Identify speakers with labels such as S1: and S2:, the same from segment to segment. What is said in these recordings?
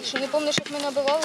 S1: Що не пам'ятаєш, як ми набивали?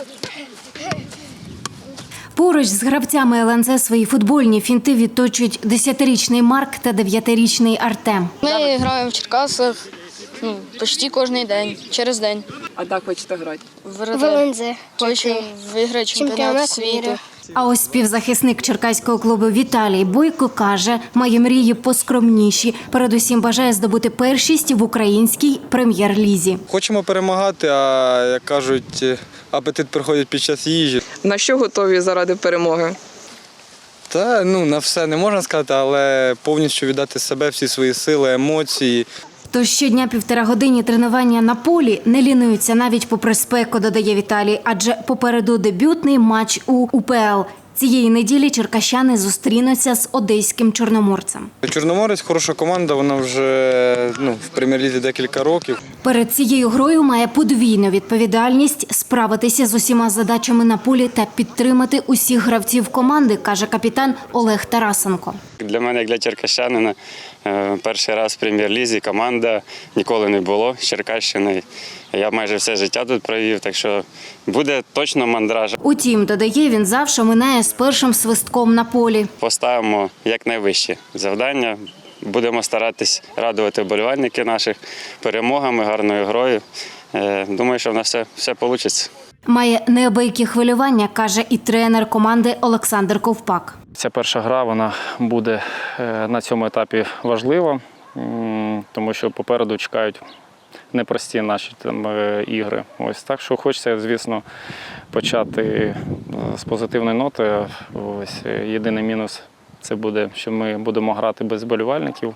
S2: Поруч з гравцями ЛНЗ свої футбольні фінти відточують 10-річний Марк та 9-річний Артем.
S1: Ми граємо в Черкасах почти кожен день, через день.
S3: А так хочете грати?
S1: В ЛНЗ. Хочу виграти чемпіонат світу.
S2: А ось співзахисник черкаського клубу Віталій Бойко каже, має мрії поскромніші. Передусім бажає здобути першість в українській прем'єр-лізі.
S4: Хочемо перемагати, а, як кажуть, апетит приходить під час їжі.
S3: На що готові заради перемоги?
S4: Та, на все не можна сказати, але повністю віддати себе, всі свої сили, емоції.
S2: Тож щодня 1,5 години тренування на полі не лінуються навіть попри спеку, додає Віталій, адже попереду дебютний матч у УПЛ. Цієї неділі черкащани зустрінуться з одеським Чорноморцем.
S4: Чорноморець – хороша команда, вона вже в прем'єр-лізі декілька років.
S2: Перед цією грою має подвійну відповідальність – справитися з усіма задачами на полі та підтримати усіх гравців команди, каже капітан Олег Тарасенко.
S5: Для мене, як для черкащанина, перший раз в прем'єр-лізі, команда, ніколи не було з Черкащини. Я майже все життя тут провів, так що буде точно мандраж.
S2: Утім, додає, він завжди минає з першим свистком на полі.
S5: Поставимо якнайвищі завдання, будемо старатись радувати вболівальників наших перемогами, гарною грою. Думаю, що в нас все вийде.
S2: Має неабиякі хвилювання, каже і тренер команди Олександр Ковпак.
S6: Ця перша гра вона буде на цьому етапі важлива, тому що попереду чекають непрості наші ігри. Ось так, що хочеться, звісно, почати з позитивної ноти. Ось єдиний мінус це буде, що ми будемо грати без вболівальників.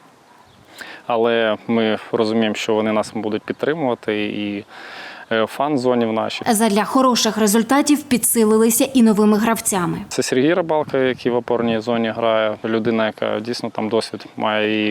S6: Але ми розуміємо, що вони нас будуть підтримувати і фан-зоні в нашій.
S2: Задля хороших результатів підсилилися і новими гравцями.
S6: Це Сергій Рибалка, який в опорній зоні грає. Людина, яка дійсно там досвід має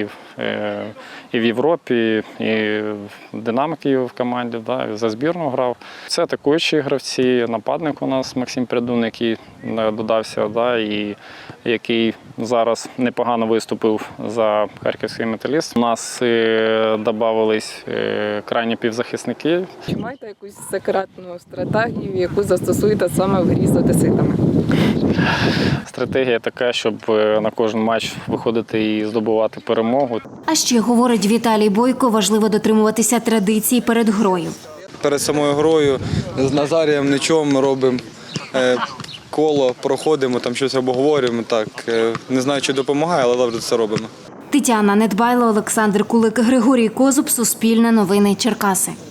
S6: і в Європі, і в «Динамо» Києва в команді, і за збірну грав. Це атакуючі гравці, нападник у нас Максим Прядун, який додався, і який зараз непогано виступив за харківський «Металіст». У нас додавались крайні півзахисники.
S3: Чи маєте якусь секретну стратегію, яку застосуєте саме в грі з одеситами?
S6: Стратегія така, щоб на кожен матч виходити і здобувати перемогу.
S2: А ще, говорить Віталій Бойко, важливо дотримуватися традицій перед грою.
S4: Перед самою грою з Назарієм Ничом робимо коло, проходимо, там щось обговорюємо. Так, не знаю, чи допомагає, але завжди це робимо.
S2: Тетяна Недбайло, Олександр Кулик, Григорій Козуб, Суспільне новини Черкаси.